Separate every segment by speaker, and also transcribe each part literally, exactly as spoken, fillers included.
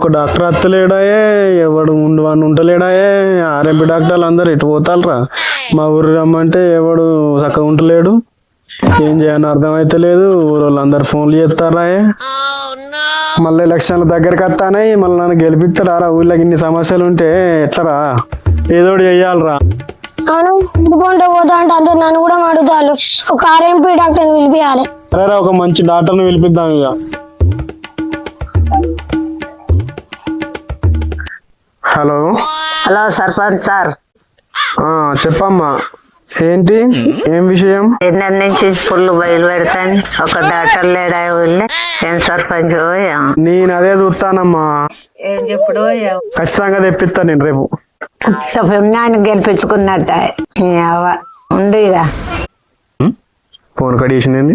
Speaker 1: ఒక డాక్టర్ అత్తలేడాయే, ఎవడు ఉండు అని ఉంటలేడాయే. ఆర్ఎంపీ డాక్టర్లు అందరు ఎటు పోతాలరా. మా ఊరు రమ్మంటే ఎవడు చక్కగా ఉంటలేడు. ఏం చేయని అర్థమైతే లేదు. ఊరు వాళ్ళు అందరు ఫోన్లు చేస్తారాయే. మళ్ళీ ఎలక్షన్ల దగ్గరికి వస్తానే మళ్ళీ నన్ను గెలిపిస్తారా. ఊళ్ళకి ఇన్ని సమస్యలు ఉంటే ఎట్లరా, ఏదోటి చెయ్యాలరా.
Speaker 2: అవును ఇదిగోంటే పోతా అంటే అందరు నన్ను కూడా అడుగుతారు. ఒక ఆర్ఎంపీ డాక్టర్ని పిలిపియాలి.
Speaker 1: సరేరా, ఒక మంచి డాక్టర్ని పిలిపిద్దాం ఇక. హలో
Speaker 3: హలో సర్పంచ్ సార్,
Speaker 1: చెప్పమ్మా. ఏంటి, ఏం విషయం?
Speaker 3: ఎన్నటి నుంచి ఫుల్ బయలు పెడతాను. ఒక డాక్టర్ లేడా ఊళ్ళో? ఏం సర్పంచ్?
Speaker 1: నేను అదే చూస్తానమ్మా.
Speaker 3: ఏం చెప్పుడు
Speaker 1: ఖచ్చితంగా తెప్పిస్తాను నేను రేపు.
Speaker 3: పుణ్యాన్ని గెలిపించుకున్నట్ట ఉండు ఇక.
Speaker 1: ఫోన్ కడిగేసింది.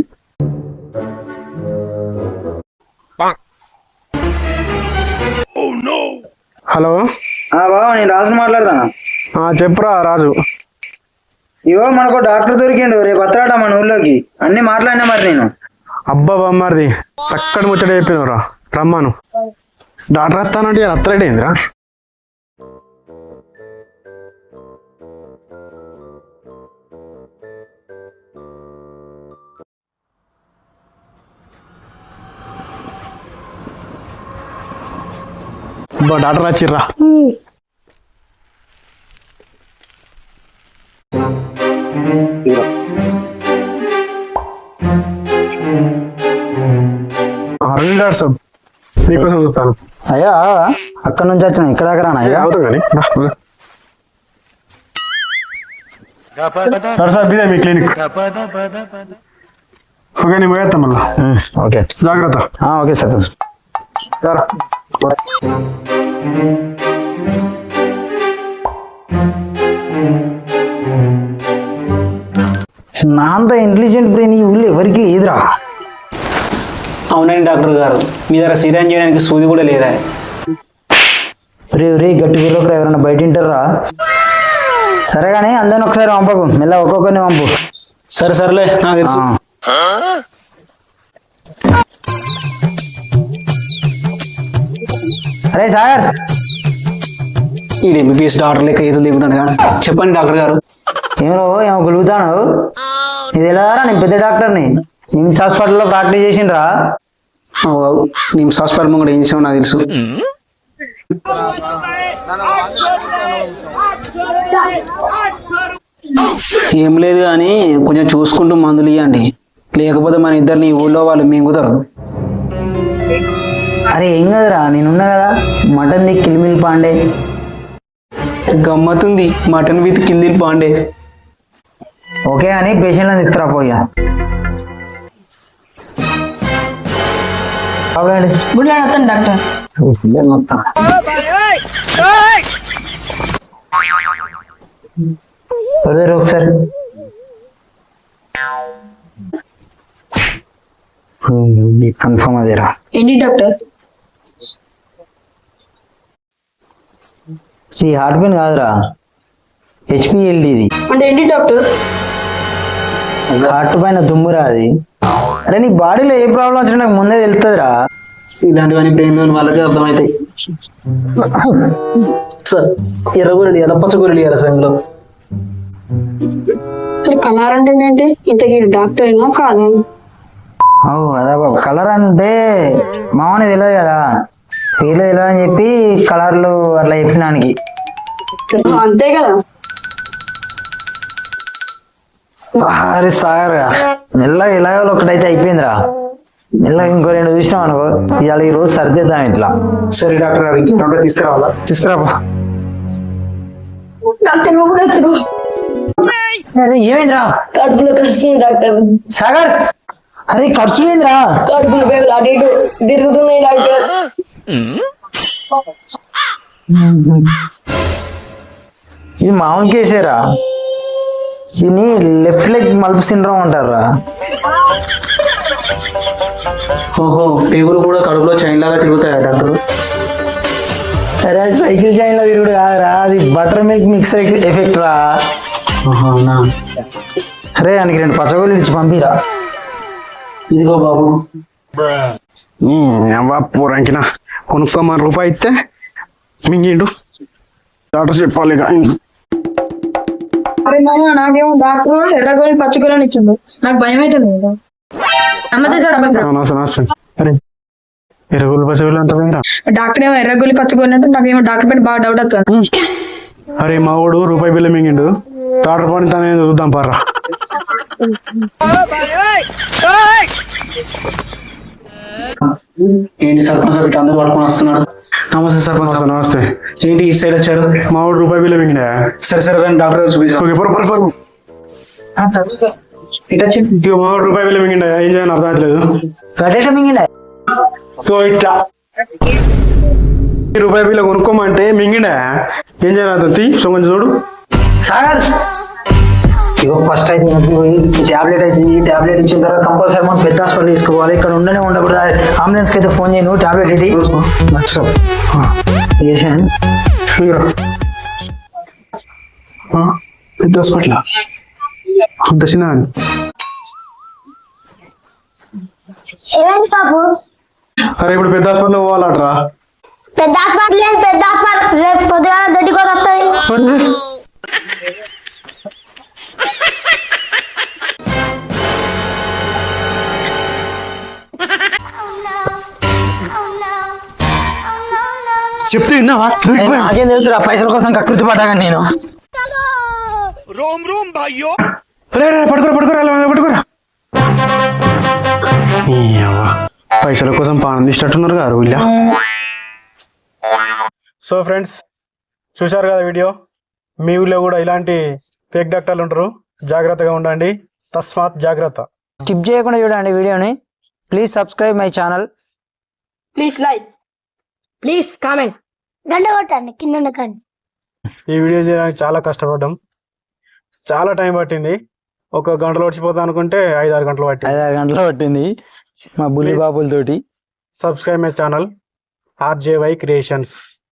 Speaker 1: హలో
Speaker 4: బాబా, నేను రాజు మాట్లాడతాను.
Speaker 1: చెప్పురా రాజు.
Speaker 4: ఇగో మనకు డాక్టర్ దొరికిండు, రేపు వస్తాడ మన ఊళ్ళోకి. అన్ని మాట్లాడినా మరి నేను.
Speaker 1: అబ్బా బొమ్మది చక్కటి ముచ్చట చెప్పినవరా. రమ్మాను. డాక్టర్ వస్తానంటే అత్తలేడేందిరా. డాక్టర్ వచ్చిర్రా. డాక్టర్ సాబ్ నీకోసం చూస్తాను.
Speaker 4: అయ్యా అక్కడ నుంచి వచ్చిన ఇక్కడ దాకా రానా?
Speaker 1: అవుతాం కానీ డాక్టర్ సాబ్ ఇదే మీ క్లినిక్. ఓకే, నేను పోయేస్తాను మళ్ళా.
Speaker 4: ఓకే
Speaker 1: జాగ్రత్త.
Speaker 4: Okay sir.
Speaker 1: సార్
Speaker 4: నా అంత ఇంటెలిజెంట్ బ్రెయిన్ ఈ ఊళ్ళో ఎవరికి లేదురా.
Speaker 5: అవునండి డాక్టర్ గారు, మీ దగ్గర సిరంజ్ చేయడానికి సూది కూడా లేదా?
Speaker 4: రే రే గట్టి వీళ్ళకి ఎవరైనా బయట వింటారా? సరే కానీ అందరిని ఒకసారి పంపకు, మెల్ల ఒక్కొక్కరిని పంపు.
Speaker 5: సరే సరేలే, నాకు తెలుసు.
Speaker 4: అరే సార్,
Speaker 5: ఈ ఎంబీబీఎస్ డాక్టర్ లెక్క ఏదో లేకుండా. చెప్పండి డాక్టర్ గారు.
Speaker 4: ఏమో ఏమో గలుగుతాను. ఇది ఎలా నేను పెద్ద డాక్టర్ని, నిమ్స్ హాస్పిటల్లో ప్రాక్టీస్ చేసిండ్రా.
Speaker 5: నిమ్స్ హాస్పిటల్ కూడా ఏం చేసావు నాకు తెలుసు. ఏం లేదు కానీ కొంచెం చూసుకుంటూ మందులు ఇవ్వండి, లేకపోతే మన ఇద్దరిని ఊళ్ళో వాళ్ళు మింగుతారు.
Speaker 4: అరే ఏం కదరా, నేనున్నా కదా. మటన్ ది కిలిమిల్ పాండే.
Speaker 5: గమ్మతుంది, మటన్ విత్ కిల్దిల్ పాండే.
Speaker 4: ఓకే అని పేషెంట్లను తీసుకురా పోయా.
Speaker 2: డాక్టర్
Speaker 4: ఒకసారి కన్ఫర్మ్ అదేరా.
Speaker 2: ఏంటి డాక్టర్?
Speaker 4: ఈ హార్ట్ పెయిన్ కాదురా, హెచ్పిఎల్డి ఇది.
Speaker 2: అంటే ఏంటి డాక్టర్?
Speaker 4: హార్ట్ పైన దుమ్మురా అది. అరే నీ బాడీలో ఏ ప్రాబ్లం వచ్చినా నాకు ముందే తెలుస్తుందిరా.
Speaker 5: ఇలాంటివన్నీ బ్రెయిన్ లోని వాళ్ళకే అర్థమవుతాయి. సార్ ఎర్రగొరడి ఎలా పచ్చగొరడి రసంలో
Speaker 2: కలర్ అంటే ఏంటి? ఇంతకీ డాక్టర్ అయినా కాదా?
Speaker 4: అదా బాబు, కలర్ అంటే మామని తెలియదు కదా, పేర్లు తెలియదు అని చెప్పి కలర్లు అట్లా చెప్పినానికి.
Speaker 2: అంతే కదా.
Speaker 4: అరే సార్, మెల్లగా ఇలాగ ఒకటైతే అయిపోయిందిరా. మెల్లగా ఇంకో రెండు చూసినాం అనుకో, ఇవాళ ఈ రోజు సరిదిద్దాం ఇట్లా.
Speaker 5: సరే డాక్టర్ గారికి డాక్టర్ తీసుకురావాలా?
Speaker 4: తీసుకురాబా.
Speaker 2: డాక్టర్
Speaker 4: అరే ఏమైందిరా?
Speaker 2: కడుపులో కడుస్తుంది డాక్టర్.
Speaker 4: సాగర్, అరే ఖర్చు ఏందిరా?
Speaker 2: కడుపులో పేగులు అటు ఇటు తిరుగుతున్నాయి డాక్టర్.
Speaker 4: ఇది మామూలు కేసేరా, దీన్ని లెఫ్ట్ లెగ్ మల్ప్ సిండ్రోమ్ అంటారా.
Speaker 5: ఓహో, పేగులు కూడా కడుపులో చైన్ లాగా తిరుగుతాయా డాక్టర్?
Speaker 4: అరే సైకిల్ చైన్ లో తిరుగుడు కాదురా, అది బటర్ మిల్క్ మిక్స్ ఎఫెక్ట్ రా. అరే ఆయనకి రెండు పచ్చగోళ్ళు ఇచ్చి పంపిరా.
Speaker 5: ఇదిగో బాబు.
Speaker 1: పూరంకినా కొనుక్కోమని రూపాయి ఇస్తే మింగిండు. డాక్టర్ చెప్పాలి ఇక.
Speaker 6: అరే మామ నాకేమో డాక్టర్ ఎర్రగోళని పచ్చగోళని ఇచ్చిండు, నాకు భయం అవుతుంది కదా. నమ్మదే సార్ అబ్బా సార్.
Speaker 1: నమస్తే నమస్తే. అరే ఎరుగులు పచ్చగులు అంత పోయిరా.
Speaker 6: డాక్టర్ ఏమో ఎర్రగోళి పచ్చగోళి అంటే నాకేమో డాక్టర్ పైన బాగా డౌట్ వస్తుంది.
Speaker 1: అరే మా వాడు రూపాయి బిల్ల మింగిండు, డాక్టర్ పని తనే చూద్దాం పర్రా.
Speaker 5: ఏంటి సర్పంచ్ సార్ ఇట్లా అందరూ పడుకొని వస్తున్నాడు? నమస్తే సర్పంచ్
Speaker 1: నమస్తే
Speaker 5: సార్.
Speaker 1: నమస్తే.
Speaker 5: ఏంటి ఈ సైడ్ వచ్చారు?
Speaker 1: మా వాడు రూపాయి బిల్ల మింగినా.
Speaker 5: సరే సరే రండి డాక్టర్ గారు చూపిస్తాం.
Speaker 1: ఓకే పరు పరు పరు.
Speaker 5: ఇటు వచ్చి
Speaker 1: ఇక మా వాడు రూపాయి బిల్ల మింగిండా, ఏం చేయాలని అర్థం అవుతలేదు.
Speaker 4: గడ్డేట మింగిండా
Speaker 1: సో ఇట్లా ఈ రూపాయి బిల్ల కొనుక్కోమంటే మింగిండా, ఏం చేయాలి అర్థం తీ. సో కొంచెం చూడు.
Speaker 4: సాగర్ ఇగో ఫస్ట్ అయితే టాబ్లెట్ అయితే ఈ టాబ్లెట్ ఇచ్చిన తర్వాత కంపల్సరీ మనం పెద్ద హాస్పిటల్ తీసుకోవాలి. ఇక్కడ ఉండనే ఉండకూడదు. అంబులెన్స్ కి అయితే ఫోన్ చేయను, టాబ్లెట్ ఇటీ
Speaker 1: ఇదిగో. ఆ, పెద్ద హాస్పిటల్ అంత చిన్న.
Speaker 2: ఏమైంది బాబు?
Speaker 1: అరే ఇప్పుడు పెద్ద హాస్పిటల్ పోవాలట్రా.
Speaker 2: పెద్ద హాస్పిటల్ లేదు, పెద్ద హాస్పిటల్ రేపు పొద్దుగాల దొడ్డికి వస్తుంది.
Speaker 1: చెప్తే విన్నావా?
Speaker 4: నాకేం తెలుసు రా, పైసల కోసం కకృతి పడ్డాగా నేను.
Speaker 1: రే రే పడుకోరా పడుకోరా అలా పడుకోరా. ఈ అవ్వ, పైసల కోసం పానం తీసేటట్టున్నారు గారు వీళ్ళ. సో ఫ్రెండ్స్ చూశారు కదా వీడియో. మీ ఊళ్ళో కూడా ఇలాంటి ఫేక్ డాక్టర్లు ఉంటారు, జాగ్రత్తగా ఉండండి. తస్మాత్ జాగ్రత్త.
Speaker 4: స్కిప్ చేయకుండా చూడండి వీడియోని. Please subscribe my channel.
Speaker 6: Please like, please comment.
Speaker 2: గంట కొట్టండి కింద ఉండకండి.
Speaker 1: ఈ వీడియో చేయడానికి చాలా కష్టపడ్డాం, చాలా టైం పట్టింది. ఒక గంటలో వచ్చిపోతాం అనుకుంటే ఐదు ఆరు గంటలు పట్టింది.
Speaker 4: ఐదారు గంటలు పట్టింది మా బుల్లి బాబులతోటి.
Speaker 1: Subscribe my channel RJY creations.